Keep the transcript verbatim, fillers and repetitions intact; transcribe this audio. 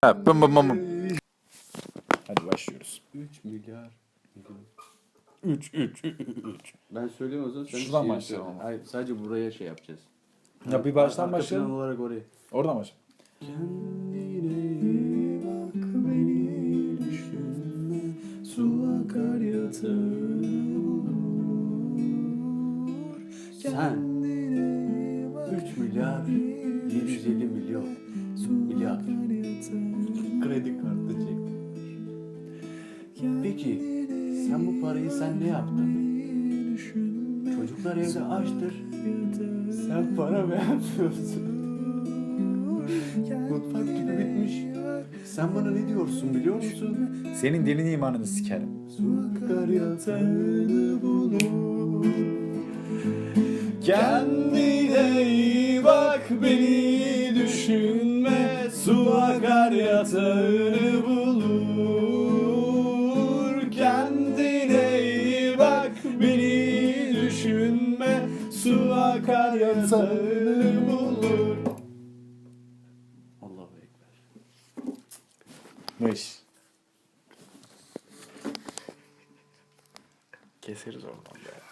Ha, bım bım bım bım. Hadi başlıyoruz. üç milyar. üç üç üç. Ben söyleyeyim o zaman. Sen Şuradan şey başlayalım söyle. ama. Hayır, sadece buraya şey yapacağız. Ya bir baştan Arka başlayalım. plan olarak oraya. Oradan başla. Kendine iyi bak, beni düşünme, su akar yatağını bulur. Sen üç milyar yedi yüz elli milyon milyar kredi kartı çektin. Peki sen bu parayı sen ne yaptın? Çocuklar evde açtır. Sen para beğenmiyorsun. Mutfak gibi bitmiş. Sen bana ne diyorsun biliyor musun? Senin dinin imanını sikerim. Su akar yatağını bulur. Kendine iyi bak, beni düşünme. Su akar yatağını bulur. Kendine iyi bak, beni düşünme. Su akar yatağını bulur. Allahu Ekber. Mış. Keseriz oradan be.